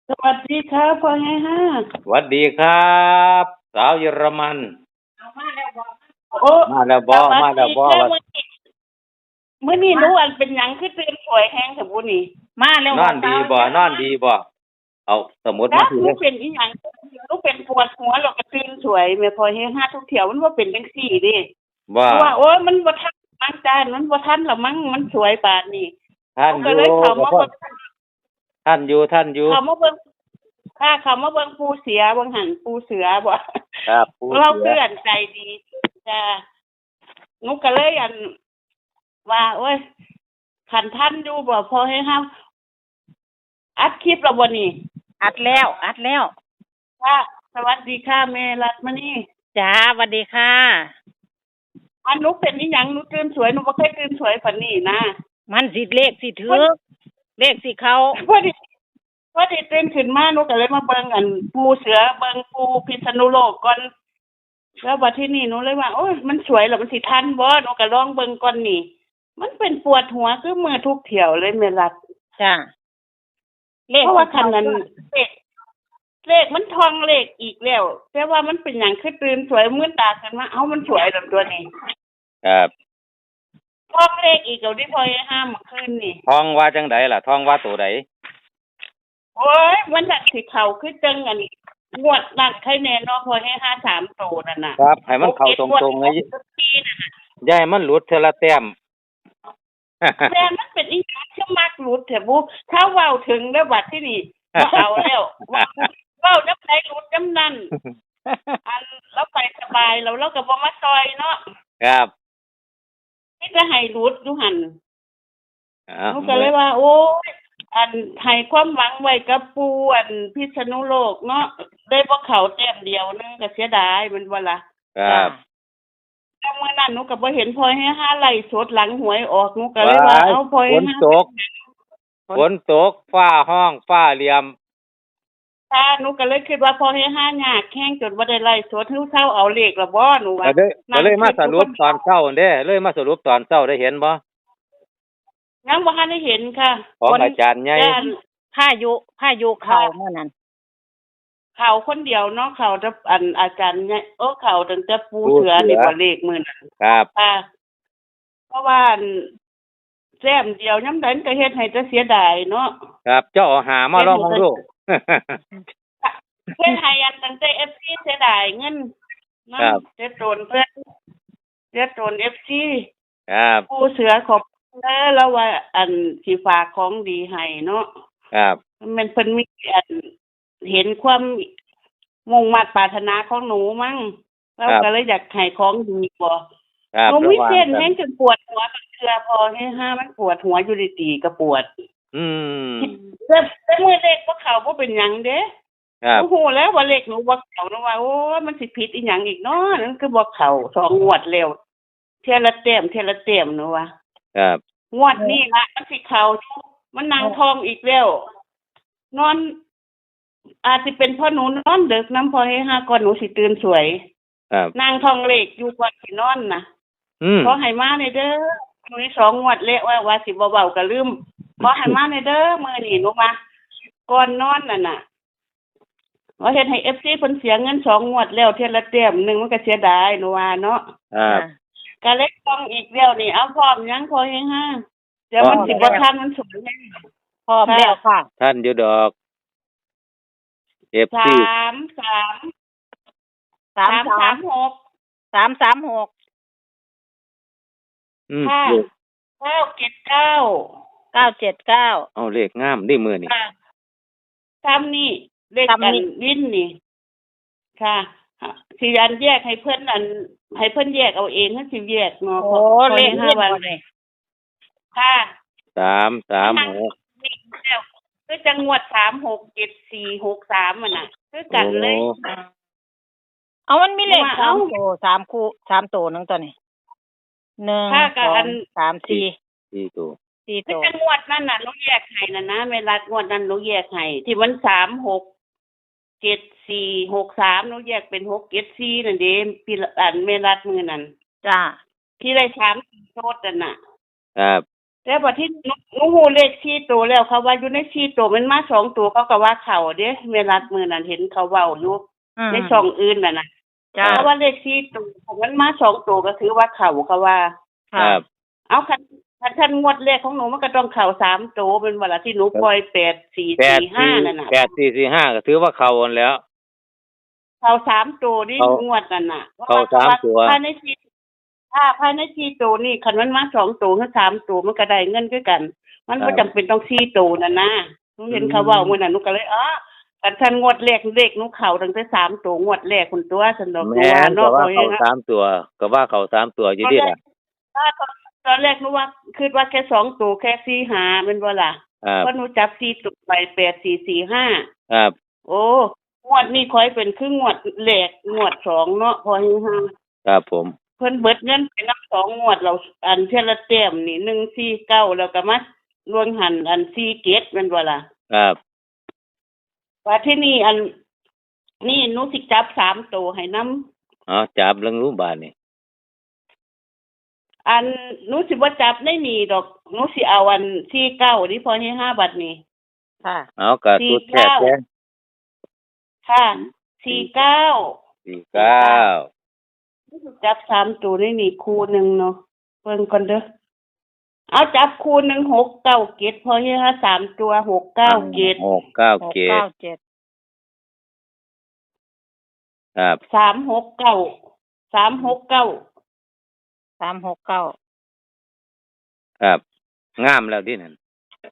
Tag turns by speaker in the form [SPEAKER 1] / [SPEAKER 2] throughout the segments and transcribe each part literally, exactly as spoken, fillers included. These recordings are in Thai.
[SPEAKER 1] สวัสดีครับพ่อให้ห้า
[SPEAKER 2] สวัสดีครับสาวเยอรมัน
[SPEAKER 1] เอามาแล้วบอกโอ้
[SPEAKER 2] มาแล้ว
[SPEAKER 1] ส
[SPEAKER 2] บ่
[SPEAKER 1] วัสดี
[SPEAKER 2] มาแล้วบ่
[SPEAKER 1] ครับ
[SPEAKER 2] ว่า
[SPEAKER 1] มื้อนี้มื้อนี้หนูอันเป็นหยังคือตื่นสวยแฮงแต่บุนี่มาแล้ว
[SPEAKER 2] นอนดีบ่นอนดีบ่เอาสมุด
[SPEAKER 1] ครั
[SPEAKER 2] มาสิเด้อ
[SPEAKER 1] บหนูเป็นอีหยังหนูเป็นปวดหัวแล้วก็ตื่นสวยแม่พ่อให้ห้าทุกเที่ยวมันบ่เป็นจังซี่เด้
[SPEAKER 2] ว่า
[SPEAKER 1] เพราะว่าโอ้ยมันบ่ทันมั้งจานมันบ่ทันแล้วมั้งมันสวยปานนี้
[SPEAKER 2] ท่านอ
[SPEAKER 1] ก็
[SPEAKER 2] ยู่
[SPEAKER 1] เลยเข้า
[SPEAKER 2] บ่พอ
[SPEAKER 1] มาเบิ่ง
[SPEAKER 2] ท่านอยู่ท่านอยู่
[SPEAKER 1] เข้ามาเบิ่งค่ะเข้ามาเบิ่งปูเสือเบิ่งหันปูเสือบ่
[SPEAKER 2] ครับผู้
[SPEAKER 1] เรา
[SPEAKER 2] เสือ
[SPEAKER 1] เพื่อนใจดีจ้าหนูก็เลยอันว่าโอ้ยขันท่านอยู่บ่พอให้ห้ามอัดคลิปแล้วบ่นี่
[SPEAKER 3] อัดแล้วอัดแล้ว
[SPEAKER 1] ค่ะสวัสดีค่ะแม่รัตมณี
[SPEAKER 3] จ้าสวัสดีค่ะ
[SPEAKER 1] อันหนูเป็นอีหยังหนูตื่นสวยหนูบ่เคยตื่นสวยปานนี้นะ
[SPEAKER 3] มันสิเลขสิถือเลขสิเขา
[SPEAKER 1] พอดีพอดีตื่นขึ้นมาหนูก็เลยมาเบิ่งอันปูเสือเบิ่งปูพิษณุโลกก่อนแล้วบัดที่นี่หนูเลยว่าโอ้ยมันสวยแล้วมันสิทันบ่หนูก็ลองเบิ่งก่อนนี่มันเป็นปวดหัวคือมือทุกเที่ยวเลยแม่รัต
[SPEAKER 3] จ้าเลข
[SPEAKER 1] เพราะว่าคันนั้นเลขเลขมันทองเลขอีกแล้วแต่ว่ามันเป็นหยังคือตื่นสวยมื้นตาขึ้นมาเอ้ามันสวยแบบตัวนี้
[SPEAKER 2] ครับ
[SPEAKER 1] ทองเลขอีกเอาที่พอยห้ามเมื่อคืนนี่
[SPEAKER 2] ทองว่าจังไดล่ะทองว่าตัวใด
[SPEAKER 1] โอ้ยมันน่ะสิเข้าคือจังอันนี้งวดนั่นใครแน่เนาะพอยให้ห้าสามโตนั่นน่ะ
[SPEAKER 2] ครับให้มันเข้าตรงๆเลยอย่าให้มันหลุดเทอละแต้ม
[SPEAKER 1] แต่มันเป็นอีหยังคือมักหลุดแท้บุถ้าเว้าถึงแล้วบัดที่นี่บ่เอาแล้วเว้าน้ำไหนหลุดน้ำนั้นอันเราไปสบายแล้วเราก็บ่มาซอยเนาะ
[SPEAKER 2] ครับ
[SPEAKER 1] นี่จะให้รูดอยู่หัน
[SPEAKER 2] อ้า
[SPEAKER 1] หนูก็เลยว่า โอ้ยอันให้ความหวังไว้กับปูอันพิษณุโลกเนาะได้บ่เข้าแต้มเดียวนึงก็เสียดายแมันบ่ล่ะ
[SPEAKER 2] ครับ
[SPEAKER 1] แต่เมื่อนั้นหนูก็บ่เห็นพลอยให้ห้าไล่สดหลังหวยออกหนูก็เลยว่าเอาพลอย
[SPEAKER 2] ฝนตกฝนตกฟ้าห้องฟ้าเหลี่ยม
[SPEAKER 1] ถ้าหนูก็เลยคิดว่าพลอยให้ห้ายากแข้งจนบ่ได้ไล่สดเฮาเซาเอาเลขละบ่หนูว่า
[SPEAKER 2] ก็เลยก็เลยมาสรุปตอนเช้าเด้เลยมาสรุปตอนเช้าได้เห็นบ่
[SPEAKER 1] ยังบ่ทันได้เห็นค่ะ
[SPEAKER 2] ของอาจารย์ใหญ่
[SPEAKER 1] แต่อัน
[SPEAKER 3] พายุพายุเขาเมื่อนั้น
[SPEAKER 1] เขาคนเดียวเนาะเขาจะอันอาจารย์เนี่ยโอ้เขาตั้งแต่ปูเสือนี่บ่เลขมื้อนั้น
[SPEAKER 2] ครับ
[SPEAKER 1] ค่ะเพราะว่าอันแซมเดียวยามใดมันก็เฮ็ดให้แต่เสียดายเนาะ
[SPEAKER 2] ครับเจ้าเอาหามาลองดู
[SPEAKER 1] เพิ่นให้อันตั้งแต่ เอฟ ซี เสียดายเงินนำ
[SPEAKER 2] ครับ
[SPEAKER 1] เสียโดนเพิ่นเสียโดน เอฟ ซี
[SPEAKER 2] ครับ
[SPEAKER 1] ปูเสือขอบคุณเด้อแล้วว่าอันสิฝากของดีให้เนาะ
[SPEAKER 2] ครับ
[SPEAKER 1] มันเพิ่นมีอันเห็นความมุ่งมั่นปรารถนาของหนูมั้งเราก็เลยอยากให้ของดีบ่
[SPEAKER 2] ครับ
[SPEAKER 1] หนูมีเส้น
[SPEAKER 2] ระวัง
[SPEAKER 1] แห้งจนปวดหัวกับเทื่อพอให้ห้ามันปวดหัวอยู่ดีๆก็ปวด
[SPEAKER 2] อืม
[SPEAKER 1] แต่แต่มื้อเล็กบ่เข้าบ่เป็นหยังเด้
[SPEAKER 2] ครับ
[SPEAKER 1] โอ้โหแล้วว่าเล็กหนูบ่เข้าหนูว่าโอ้ยมันสิผิดอีหยังอีกเนาะนั่นคือบ่เข้าสองงวดแล้วเทื่อละแต้มเทื่อละแต้มหนูว่า
[SPEAKER 2] ครับ
[SPEAKER 1] งวดนี้ละมันสิเข้าอยู่มันนั่งทองอีกแล้ว นอน อาจสิเป็นเพราะหนูนอนดึกนำพอให้ห้าก่อนหนูสิตื่นสวย
[SPEAKER 2] ครับ
[SPEAKER 1] นางทองเลขอยู่ก่อนสินอนน่ะ
[SPEAKER 2] อืม
[SPEAKER 1] ขอให้มาในเด้อมื้อนี้สองงวดแล้วว่าว่าสิบ่เว้าก็ลืมขอให้มาในเด้อมื้อนี้หนูมาก่อนนอนนั่นน่ะว่าเฮ็ดให้ เอฟ ซี เพิ่นเสียเงินสองงวดแล้วเทื่อละแต้มหนึงมันก็เสียดายหนูว่าเนาะ
[SPEAKER 2] ครับ
[SPEAKER 1] ก็เลยต้องอีกแล้วนี่เอาพร้อมยังพอให้ห้าเดี๋ยวมันสิบ่ทันมันสูงแน่
[SPEAKER 3] พร้อมแล้วค่ะ
[SPEAKER 2] ท่านอยู่ดอก เอฟ
[SPEAKER 1] สา
[SPEAKER 2] ซี
[SPEAKER 1] มสาม
[SPEAKER 3] สาม
[SPEAKER 1] สาม
[SPEAKER 3] สา
[SPEAKER 1] สาม มหก
[SPEAKER 3] สามสามหก
[SPEAKER 2] อืม
[SPEAKER 1] ค่ะ
[SPEAKER 2] เลข
[SPEAKER 1] เก้าเจ็ดเก้า
[SPEAKER 3] เก้าเจ็ดเก้า
[SPEAKER 2] เอาเลขงามนี่มือนี่
[SPEAKER 1] ค่ะทำนี่เลข
[SPEAKER 3] ทำ
[SPEAKER 1] กัน
[SPEAKER 3] นี่
[SPEAKER 1] วินนี่ ค่ะสิอันแยกให้เพิ่นอัน ให้เพิ่นแยกเอาเองให้สิแยกเนาะ
[SPEAKER 3] โอ้เลข
[SPEAKER 1] ห้า
[SPEAKER 3] เล่น
[SPEAKER 1] วัน
[SPEAKER 3] หมดเลย
[SPEAKER 1] ค่ะ
[SPEAKER 2] สามสามหก
[SPEAKER 1] นี่แล้วคือจังหวัดสามหกเจ็ดสี่หกสามอ่ะน่ะคือกันเลย
[SPEAKER 2] โอ้
[SPEAKER 3] เอามันมีเลข
[SPEAKER 1] ว่า
[SPEAKER 3] สา
[SPEAKER 1] เอ้า
[SPEAKER 3] มตัวสามคู่สามตัวนึงตัวนี้หนึ่ง
[SPEAKER 1] ค่ะ
[SPEAKER 3] ส
[SPEAKER 1] ก็
[SPEAKER 3] อ
[SPEAKER 1] อั
[SPEAKER 3] ง
[SPEAKER 1] น
[SPEAKER 3] สามสี่
[SPEAKER 2] สี่ตัว
[SPEAKER 3] สี่
[SPEAKER 1] คือ
[SPEAKER 3] ตัว
[SPEAKER 1] จังหวัดนั่นน่ะหนูแยกให้น่ะนะเวลางวดนั้นหนูแยกให้ที่มันสามหกเจ็ดสี่หกสามหนูแยกเป็นหกเจ็ดสี่นั่นเด้พี่อันเมลัดมือนั่น
[SPEAKER 3] จ้า
[SPEAKER 1] ที่ได้สามโทษนั่นน่ะ
[SPEAKER 2] ครับ
[SPEAKER 1] แต่บัดที่หนูหนูฮู้เลขสี่ตัวแล้วเขาว่าอยู่ในสี่ตัวมันมาสองตัวเขาก็ว่าเข้าเด้แม่รัดมื้อนั้นเห็นเขาเว้าอยู่
[SPEAKER 3] อืม
[SPEAKER 1] ในช่องอื่นน่ะนะ
[SPEAKER 3] จ้า
[SPEAKER 1] เพราะว่าเลขสี่ตัวของมันมาสองตัวก็ถือว่าเข้าเขาว่า
[SPEAKER 2] ครั
[SPEAKER 3] ค่ะ
[SPEAKER 2] บ
[SPEAKER 1] เอาคันคันคันงวดแรกของหนูมันก็ต้องเข้าสามตัวเป็นว่าล่ะที่หนูปล่อยแปด สี่
[SPEAKER 2] แปด
[SPEAKER 1] สี่ ห้า
[SPEAKER 2] สี่
[SPEAKER 1] นั่นน่ะ
[SPEAKER 2] แปดสี่สี่ห้าก็ถือว่าเข้าหมดแล้ว
[SPEAKER 1] เข้าสามตัวนี่
[SPEAKER 2] เข้าง
[SPEAKER 1] วดนั่นน่ะ
[SPEAKER 2] เข้าสามตัว
[SPEAKER 1] ภายในสี่ถ้าภายในสี่ตัวนี่คันมันมาสองตัวหรือสามตัวมันก็ได้เงินคือกัน มันบ่จำเป็นต้องสี่ตัวนั่นนะหนูเห็นเขาเว้ามื้อนั้นหนูก็เลยอ๋อคันคันงวดแรกเลขหนูเข้าตั้งแต่สามตัวงวดแรกคุณตัวซั่นดอก
[SPEAKER 2] แม่นก็ว่า
[SPEAKER 1] พระ
[SPEAKER 2] เข้าสามตัว ก็ว่าเข้าสามตัวอยู่ดีล่ะ
[SPEAKER 1] ถ้าตอนตอนแรกหนูว่าคิดว่าแค่สองตัวแค่สี่หาแม่นบ่ล่ะ
[SPEAKER 2] ครับ
[SPEAKER 1] เพราะหนูจับสี่ตัวไปแปด สี่ สี่ ห้า
[SPEAKER 2] ครับ
[SPEAKER 1] โอ้งวดนี้ค่อยเป็นคืองวดแรกงวดสองเนาะพอฮือฮา
[SPEAKER 2] ครับผม
[SPEAKER 1] เพิ่นเบิดเงินไปนับสองงวดเราอันเทยละแต้มนี่หนึ่ง สี่ เก้าแล้วก็มาลวงหันอันสี่ เจ็ดแม่นบ่ล่ะ
[SPEAKER 2] ครับ
[SPEAKER 1] ว่าที่นี่อันนี่หนูสิจับสามตัวให้นำ
[SPEAKER 2] เอาจับเรื่องรู้บาดนี่
[SPEAKER 1] อันหนูสิบ่จับในนี่ดอกหนูสิเอาอันสี่ เก้านี่พอให้ห้าบัดนี้
[SPEAKER 3] ค่ะ
[SPEAKER 2] เอาก็
[SPEAKER 1] สี่
[SPEAKER 2] สุดแท้
[SPEAKER 1] เก้า
[SPEAKER 2] แท้
[SPEAKER 1] ค่ะ สี่ เก้า
[SPEAKER 2] สี่เก้า
[SPEAKER 1] จับสามตัวนี่นี่คู่หนึ่งเนาะเบิ่งก่อนเด้อเอาจับคู่หนึ่งหกเก้าเจ็ดพอให้ฮะสามตัวหกเก้าเจ็ด
[SPEAKER 2] หกเก้า
[SPEAKER 3] หก
[SPEAKER 2] เจ็ด
[SPEAKER 3] เก้าเจ็ด
[SPEAKER 2] ครับ
[SPEAKER 1] สามหกเก้าสามหกเก้า
[SPEAKER 3] สามหกเก้า
[SPEAKER 2] ครับ งามแล้วดินั่น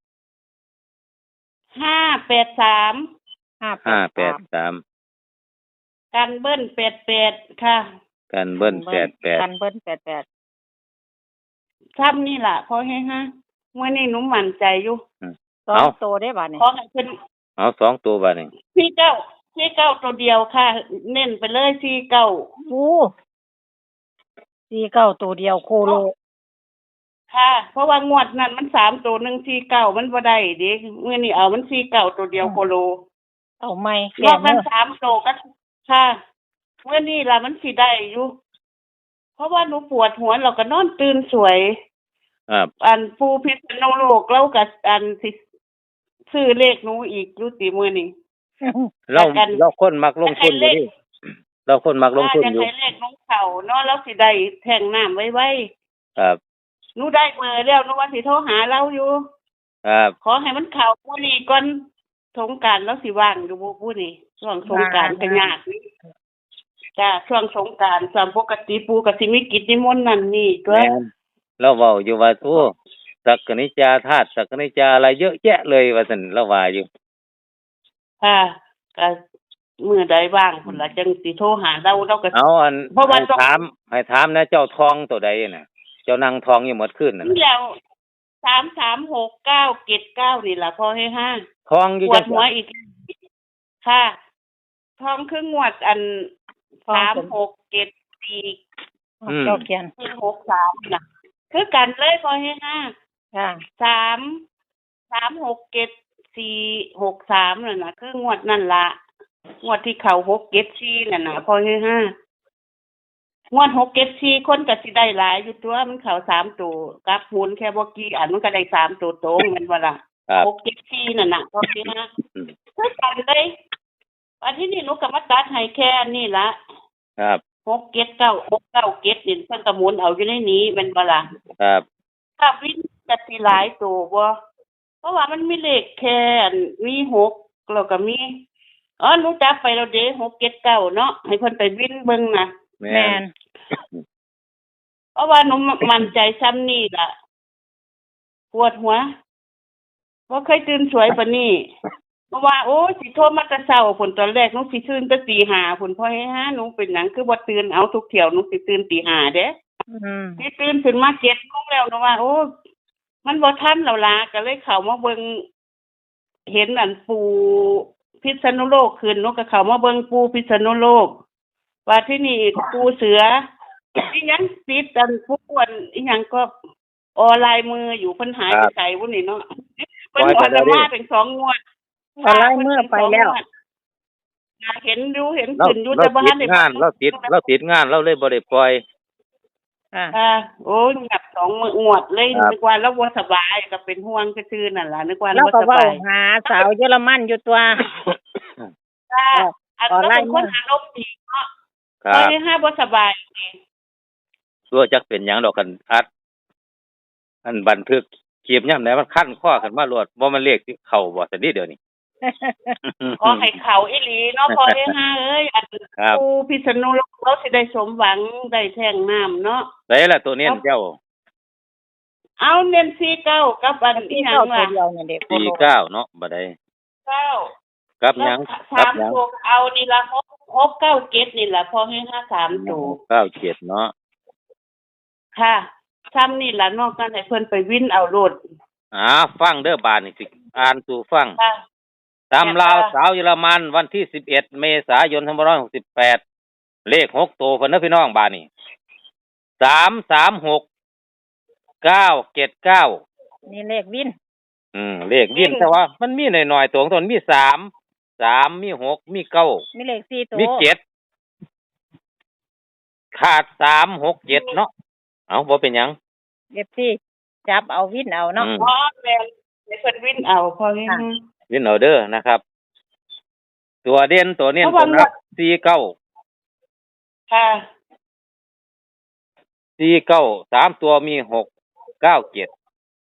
[SPEAKER 1] ห้าแปดสาม
[SPEAKER 3] ห้า
[SPEAKER 2] ห้า
[SPEAKER 3] แป
[SPEAKER 2] แป
[SPEAKER 3] ด
[SPEAKER 2] ดสาม
[SPEAKER 1] กันเบิ้ลแปดแปดค่ะ
[SPEAKER 2] กันเบิ้ลแปดแปด
[SPEAKER 3] กันเบิ้ลแปดแปด
[SPEAKER 1] ซ้ำนี่ล่ะพอให้ฮะเมื่อนี้หนูมั่นใจอยู่
[SPEAKER 3] สองตัวได้บาทนี่
[SPEAKER 1] ขอให้เพิ่น
[SPEAKER 2] เอาสองตัวบาดนี่
[SPEAKER 1] สี่เก้าสี่เก้าตัวเดียวค่ะ เน้นไปเลยสี่เก้า
[SPEAKER 3] โอ้สี่เก้าตัวเดียวโคโล
[SPEAKER 1] ค่ะ เพราะว่างวดนั้นมันสามตัวหนึ่งสี่เก้ามันบ่ได้เดิเมื่อนี้เอามันสี่เก้าตัวเดียวโคโล
[SPEAKER 3] เอาไม่
[SPEAKER 1] ร
[SPEAKER 3] แก่
[SPEAKER 1] อบ
[SPEAKER 3] เน
[SPEAKER 1] นั้น
[SPEAKER 3] อะ
[SPEAKER 1] สามตัวก็ค่ะเมื่อนี้ล่ะมันสิได้อยู่ เพราะว่าหนูปวดหัวเราก็นอนตื่นสวย
[SPEAKER 2] ครับ
[SPEAKER 1] อันปูพิษณุโลกเราก็อันสิซื้อเลขหนูอีกอยู่ติมื้อนี้
[SPEAKER 2] เรา
[SPEAKER 1] กัน
[SPEAKER 2] เราคนมักลงทุนอยู่ดิเราคนมักลงทุน
[SPEAKER 1] จะ
[SPEAKER 2] อยู่
[SPEAKER 1] ให้เลขน้องเขาเนาะแล้วสิได้แท่งน้ำไว้
[SPEAKER 2] ครับ
[SPEAKER 1] ๆหนูได้เบอร์แล้วหนูว่าสิโทรหาเราอยู่
[SPEAKER 2] ครับ
[SPEAKER 1] ขอให้มันเข้ามื้อนี้ก่อนสงกรานต์แล้วสิว่างอยู่บ่ผู้นี้ช่วงสงกรานต์ก็ยากนี่จ้าช่วงสงกรานต์ตามปกติปู่ก็สิมีกิจนิมนต์นั่นนี่ตัว
[SPEAKER 2] แม่นเราเว้าอยู่ว่าโอ้สักกนิจาธาตุสักกนิจาอะไรเยอะแยะเลยว่าซั่นเราว่าอยู่
[SPEAKER 1] ค่ะก็มื้อใดว่างพุ่นล่ะจังสิโทรหาเราเราก็
[SPEAKER 2] เอาอัน
[SPEAKER 1] เพราะว่า
[SPEAKER 2] ให้
[SPEAKER 1] ต้อง
[SPEAKER 2] ถามให้ถามนะเจ้าทองตัวใดน่ะ เจ้านั่งทองอยู่หมดคืนน่ะ
[SPEAKER 1] นี่แล้วสาม สาม หก เก้า เจ็ด เก้านี่ล่ะพอให้ห้า
[SPEAKER 2] ทองอยู่
[SPEAKER 1] ปว
[SPEAKER 2] จั
[SPEAKER 1] ด
[SPEAKER 2] ง
[SPEAKER 1] หัวอีก ค่ะทองครึ่งงวดอันสาม หก เจ็ด สี่
[SPEAKER 3] เจ้าเขียน
[SPEAKER 1] หก สามน่ะ คือกันเลยพอให้ห้า
[SPEAKER 3] ค่ะ
[SPEAKER 1] สาม สาม หก เจ็ด สี่ หก สามนั่นน่ะ คืองวดนั่นล่ะงวดที่เข้าหก เจ็ด สี่นั่นน่ะพอให้ห้างวดหก เจ็ด สี่คนก็สิได้หลายอยู่ตัวมันเข้าสามตัวกลับหุนแค่บ่กี่อันมันก็ได้สามตัวตรงแม่นบ่ล่ะ
[SPEAKER 2] ครับ
[SPEAKER 1] หก เจ็ด สี่นั่นน่ะพอให้ห้า
[SPEAKER 2] อืม
[SPEAKER 1] คือกันเลยวันที่นี่หนูก็มาตัดให้แค่นี้ละ
[SPEAKER 2] ครับ
[SPEAKER 1] หกเจ็ดเก้าหกเก้าเจ็ดนี่เพิ่นก็หมุนเอาอยู่ในนี้แม่นบ่ล่ะ
[SPEAKER 2] ครับ
[SPEAKER 1] ถ้าวินจะสิหลายตัวบ่เพราะว่ามันมีเลขแค่อันมีหกแล้วก็มีอ๋อหนูจับไปแล้วเด้หก เจ็ด เก้าเนาะให้เพิ่นไปวินเบิ่งน่ะ
[SPEAKER 2] แม่
[SPEAKER 3] แม
[SPEAKER 2] น
[SPEAKER 3] น
[SPEAKER 1] เพราะว่าหนูมั่นใจซ้ำนี่ล่ะปวดหัวบ่เคยตื่นสวยปานนี้เพราะว่าโอ้ยสิโทรมาแต่เช้าพุ่นตอนแรกหนูสิตื่นแต่ตีห้าพุ่นพอให้หาหนูเป็นหยังคือบ่ตื่นเอาทุกเที่ยวหนูสิตื่นตีห้าเด้
[SPEAKER 3] อืม
[SPEAKER 1] สิตื่นขึ้นมาเจ็ดโมงแล้วหนูว่าโอ้มันบ่ทันแล้วล่ะก็เลยเข้ามาเบิ่งเห็นอันปูพิษณุโลกขึ้นหนูก็เข้ามาเบิ่งปูพิษณุโลกว่าที่นี่ปูเสืออีหยังติดอันผู้อ้วนอีหยังก็ออนไลน์มืออยู่เพิ่นหายไปไสวุ้นนี่เนาะเพิ่นออกมาเป็นสองงวด
[SPEAKER 3] เอาไล่เมื่อไปแล้ว
[SPEAKER 1] เห็นอยู่เห็น
[SPEAKER 2] เรา
[SPEAKER 1] ขึ้นอยู่
[SPEAKER 2] เรา
[SPEAKER 1] แต่บ่
[SPEAKER 2] ติ
[SPEAKER 1] ทั
[SPEAKER 2] ด
[SPEAKER 1] นได้
[SPEAKER 2] งานเราติดเราติดงานเราเลยบ่ได้ปล่อย
[SPEAKER 3] ค่ะ
[SPEAKER 1] ค่ะโอ้ยหยับสองมืองวดเลย
[SPEAKER 2] ครับ
[SPEAKER 1] นึกว่าเราบ่สบายก็เป็นห่วงซื่อๆนั่นล่ะนึกว่า
[SPEAKER 3] เรา
[SPEAKER 1] บ่
[SPEAKER 3] ก็
[SPEAKER 1] ส
[SPEAKER 3] เว้า
[SPEAKER 1] บาย
[SPEAKER 3] หาสาวเยอรมันอยู่ตัว
[SPEAKER 1] ค่ะ
[SPEAKER 3] ออก
[SPEAKER 1] อัน
[SPEAKER 3] ออน
[SPEAKER 1] เรา
[SPEAKER 3] ไลน์
[SPEAKER 1] เป็นคน
[SPEAKER 3] มา
[SPEAKER 1] อารมณ์ดีเนาะ
[SPEAKER 2] ครั
[SPEAKER 1] พ
[SPEAKER 2] บ
[SPEAKER 1] อห้าบ่สบายนี่
[SPEAKER 2] ตัวจักเป็นหยังดอกกันอัด อันบันทึกคลิปยามใดมันคันคอขึ้นมาโลดบ่มันเลขที่เข้าบ่ซั่นเด้เดี๋ยวนี้
[SPEAKER 1] ขอให้เขาอีหลีเนาะพอห้าเอ้ยอัน
[SPEAKER 2] ครับ
[SPEAKER 1] ผู้พิษณุโลกเราสิได้สมหวังได้แท่งน้ำเนาะ
[SPEAKER 2] ไสล่ะตัวเน้นเจ้า
[SPEAKER 1] เอาเน้นสี่เก้ากับอันอี
[SPEAKER 3] ที่
[SPEAKER 1] หยั
[SPEAKER 3] เข้าง ตัว
[SPEAKER 1] ล่ะ
[SPEAKER 3] เดียวเนี่ยเด็กโค
[SPEAKER 2] สี่
[SPEAKER 3] โล
[SPEAKER 2] เก้าเนาะบ่ได้
[SPEAKER 1] เก้า
[SPEAKER 2] กับหยัง
[SPEAKER 1] แล้ว
[SPEAKER 2] กั
[SPEAKER 1] สา
[SPEAKER 2] บ
[SPEAKER 1] ม
[SPEAKER 2] หยัง
[SPEAKER 1] ตัวเอานี่ละหกหกเก้าเจ็ดนี่ล่ะพอให้ห้าสามตัว
[SPEAKER 2] เก้าเจ็ดเนาะ
[SPEAKER 1] ค่ะซ้ำนี่ล่ะนอกนั้นให้เพิ่นไปวินเอาโลด
[SPEAKER 2] อ่าฟังเด้อบาดนี้สิอ่านสู่ฟัง
[SPEAKER 1] ค่ะ
[SPEAKER 2] ตำราวสาวเยอรมันวันที่สิบเอ็ดเมษายนสองพันห้าร้อยหกสิบแปดเลขหกตัวเพิ่นเด้อพี่น้องบาดนี้สามสามหกเก้าเจ็ดเก้า
[SPEAKER 3] นี่เลขวิน
[SPEAKER 2] อืมเลขวินแต่ว่ามันมีหน่อยๆตัวของตนมีสามสามมีหกมีเก้า
[SPEAKER 3] มีเลขสี่ตัว
[SPEAKER 2] มีเจ็ดขาดสามหกเจ็ดเนาะเอาบ่เป็นหยัง
[SPEAKER 3] เอฟซีจับเอาวินเอาเนาะ
[SPEAKER 2] อืม
[SPEAKER 1] พอแม่นให้เพิ่นวินเอาพอให้
[SPEAKER 3] ค่ะ
[SPEAKER 1] ห้า
[SPEAKER 2] วินเอาเด้อนะครับ ตัวเด่นตัวเน้น
[SPEAKER 1] เพราะ
[SPEAKER 2] ตัว
[SPEAKER 1] ว่า
[SPEAKER 2] นับสี่เก้า
[SPEAKER 1] ค่ะ
[SPEAKER 2] สี่เก้าสามตัวมีหกเก้าเจ็ด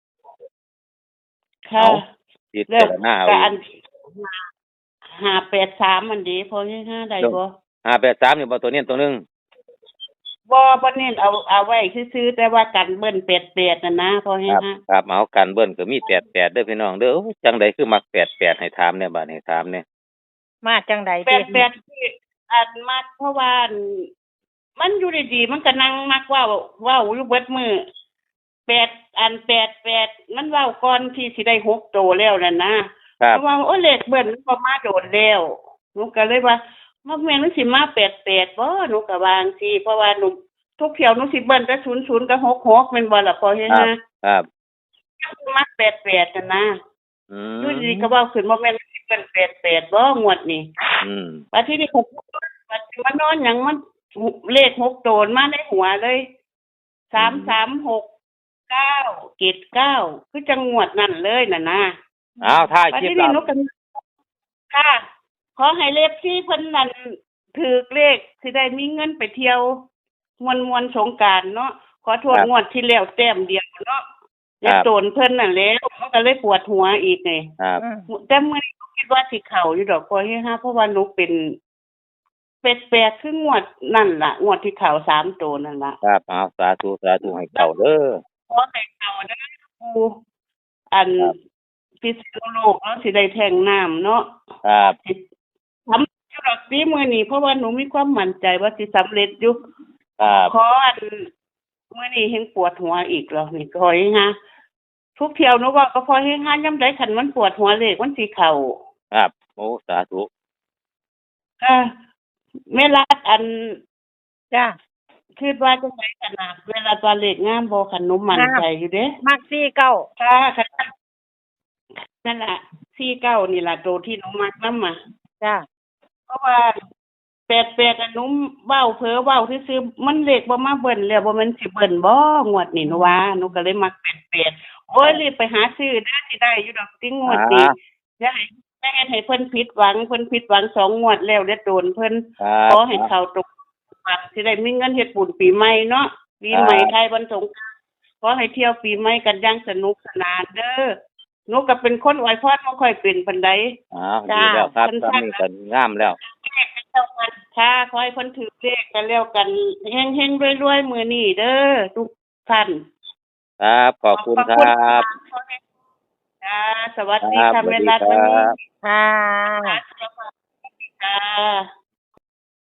[SPEAKER 1] ค่ะ
[SPEAKER 2] เอา ติด
[SPEAKER 1] แล้
[SPEAKER 2] แต่
[SPEAKER 1] ว
[SPEAKER 2] ละหน้าเอา
[SPEAKER 1] ก็
[SPEAKER 2] อี
[SPEAKER 1] อัน
[SPEAKER 2] ก
[SPEAKER 1] ห้าแปดสามมันดีพอให้ห้าได้บ่
[SPEAKER 2] ห้าแปดสามนี่บ่ตัวเน้นตัวหนึง
[SPEAKER 1] บ่บ่เน้นเอาเอาไว้ซื่อๆแต่ว่ากันเบิ้นแปดแปดน่ะนะพอให้
[SPEAKER 2] ครับ
[SPEAKER 1] ห้า
[SPEAKER 2] ครับเอากันเบิ้นก็มีแปดแปดเด้อพี่น้องเด้อโอ้ยจังใดคือมักแปดแปดให้ถามแหน่บัดนี้ถามแหน่
[SPEAKER 3] มาจังใด
[SPEAKER 1] แป
[SPEAKER 3] ติ
[SPEAKER 1] ดแปดที่อันมากเพราะว่าอันมันอยู่ดีๆมันก็นั่งมักเว้าเว้าอยู่เบิดมื้อแปดอันแปดแปดมันเว้าก่อนที่สิได้หกโตแล้วนั่นนะครับ เพราะว่าโอ้เลขเบิ้นมันบ่มาโดนแล้วหนูก็เลยว่ามันแม่นมันสิมาแปดแปดบ่หนูก็วาจั่งซี้เพราะว่าหนูทุกเที่ยวหนูสิเบิ้นแต่ศูนย์ศูนย์กับหกหกแม่นบ่ล่ะพอเฮ็ด
[SPEAKER 2] ครับ
[SPEAKER 1] นะครับ มักแปดแปดนั่นนะ
[SPEAKER 2] อืม
[SPEAKER 1] อยู่ดีๆก็เว้าขึ้นว่าแม่นมันสิเป็นแปดแปดบ่งวดนี้
[SPEAKER 2] อืม
[SPEAKER 1] บัดทีนี้ผมบัดสิมานอนหยังมันเลขหกโตนมาในหัวเลยสามสามหกเก้าเจ็ดเก้าคือจังงวดนั่นเลยน่ะนะ
[SPEAKER 2] เอาถ่าย
[SPEAKER 1] บัด
[SPEAKER 2] คลิป
[SPEAKER 1] ทีนี้
[SPEAKER 2] เรา
[SPEAKER 1] หนูก็ค่ะ ขอให้เลขที่เพิ่นนั่นถูกเลขสิได้มีเงินไปเที่ยวมวนมวนๆสงกรานต์เนาะขอโทษงวดที่แล้วแต้มเดียวเนาะอย่าโตนเพิ่นนั่นแหล้วมันก็เลยปวดหัวอีกไง
[SPEAKER 2] ครับ
[SPEAKER 3] อืม
[SPEAKER 1] แต่มื้อนี้หนูคิดว่าสิเข้าอยู่ดอกพอเฮ็ดฮะเพราะว่าหนูเป็นเป็ดแปลกคืองวดนั่นล่ะงวดที่เข้าสามตัวนั่นล่ะ
[SPEAKER 2] ครับเอาสาธุสาธุให้เก่าเด้อ
[SPEAKER 1] ขอให้เข้าเด้อปูอัน
[SPEAKER 2] ครับ
[SPEAKER 1] พิษณุโลกเนาะสิได้แทงน้ำเนาะ
[SPEAKER 2] ครับ
[SPEAKER 1] สิทำอยู่ดอกนี้มื้อนี้เพราะว่าหนูมีความมั่นใจว่าสิสำเร็จอยู่
[SPEAKER 2] ครับ
[SPEAKER 1] ขออันมื้อนี้เห็นปวดหัวอีกแล้วนี่ขอให้ฮะทุกเที่ยวหนูว่าก็พอให้ฮะยามใดคันมันปวดหัวเลขมันสิเข้า
[SPEAKER 2] ครับโอ้สาธุ
[SPEAKER 1] ค่ะเวลาอัน
[SPEAKER 3] จ้า
[SPEAKER 1] คิดว่าจะใช้ขนาดเวลาตัวเลขงามบ่คันหนูมั่นใจอยู่เด้
[SPEAKER 3] มักสี่เก้า
[SPEAKER 1] ค่ะค่ะนั่นล่ะสี่เก้านี่ล่ะตัวที่หนูมักนำมา
[SPEAKER 3] จ้า
[SPEAKER 1] เพราะว่าแปดแปดอันหนูเว้าเพ้อเว้าซื่อๆมันเลขบ่มาเบิ่นแล้วบ่แม่นสิเบิ่นบ่งวดนี้หนูว่าหนูก็เลยมักแปดแปดโอ้ยรีบไปหาซื้อเด้อสิได้อยู่ดอกติงวดนี้
[SPEAKER 2] อ่า
[SPEAKER 1] อย่าให้อย่าให้เพิ่นผิดหวังเพิ่นผิดหวังสองงวดแล้วเด้อโดนเพิ่น
[SPEAKER 2] ครับ
[SPEAKER 1] ขอให้เขาตกวันสิได้มีเงินเฮ็ดบุญปีใหม่เนาะปีใหม่ไทยวันสงกรานต์ขอให้เที่ยวปีใหม่กันอย่างสนุกสนานเด้อหนูก็เป็นคนอวยพรบ่ค่อยเป็นปานใด
[SPEAKER 2] อ้าวดีแล้วครับตอนนี้ก็งามแล้ว
[SPEAKER 1] ค่ะขอให้เพิ่นถือเลขกันแล้วกันเฮงๆรวยๆมื้อนี้เด้อทุกท่าน
[SPEAKER 2] ครับขอบคุณครับ
[SPEAKER 1] ค่ะสวัสดี
[SPEAKER 2] ครั
[SPEAKER 1] ค่ะ
[SPEAKER 2] บสวั
[SPEAKER 1] แม่
[SPEAKER 2] สดี
[SPEAKER 1] รัต
[SPEAKER 2] ครั
[SPEAKER 1] วันนี้
[SPEAKER 2] บ
[SPEAKER 3] ค่ะ
[SPEAKER 1] ค่ะ